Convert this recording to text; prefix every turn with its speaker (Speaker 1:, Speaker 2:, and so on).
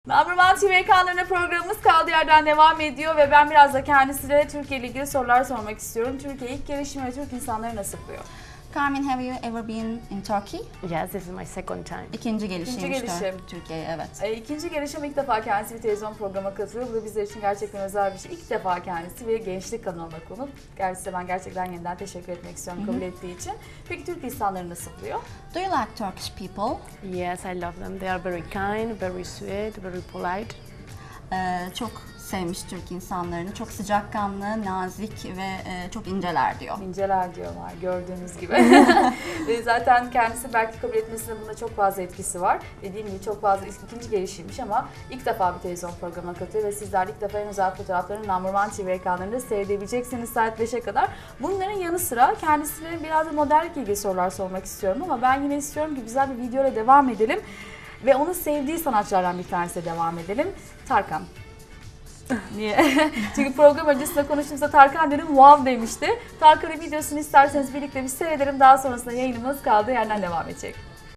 Speaker 1: Number One TV ekranlarında programımız kaldığı yerden devam ediyor ve ben biraz da kendisine Türkiye ile ilgili sorular sormak istiyorum. Türkiye ilk gelişimi ve Türk insanları nasıl buluyor?
Speaker 2: Carmen, have you ever been in Turkey?
Speaker 3: Yes, this is my second time.
Speaker 2: İkinci gelişiymiş
Speaker 1: gelişim.
Speaker 2: Türkiye'ye, evet.
Speaker 1: İkinci gelişim ilk defa kendisi bir televizyon programa katılıyor. Bu da bizler için gerçekten özel bir şey. İlk defa kendisi bir gençlik kanalına konuk. Gerçi ben gerçekten yeniden teşekkür etmek istiyorum kabul ettiği için. Peki Türk insanları nasıl buluyor?
Speaker 2: Do you like Turkish people?
Speaker 3: Yes, I love them. They are very kind, very sweet, very polite.
Speaker 2: Çok sevmiş Türk insanlarını. Çok sıcakkanlı, nazik ve çok inceler diyor.
Speaker 1: İnceler diyorlar gördüğünüz gibi. Zaten kendisi belki kabul etmesinde bunda çok fazla etkisi var. Dediğim gibi çok fazla ikinci gelişiymiş ama ilk defa bir televizyon programına katılıyor ve sizler ilk defa en özel fotoğraflarını Number One TV ekranlarında seyredebileceksiniz saat 5'e kadar. Bunların yanı sıra kendisine biraz da modellik ilgili sorular sormak istiyorum ama ben yine istiyorum ki güzel bir videoyla devam edelim. Ve onun sevdiği sanatçılardan bir tanesiyle devam edelim. Tarkan. Niye? Çünkü program öncesinde konuştuğumuzda Tarkan dedim wow demişti. Tarkan'ın videosunu isterseniz birlikte bir seyredelim. Daha sonrasında yayınımız kaldığı yerden devam edecek.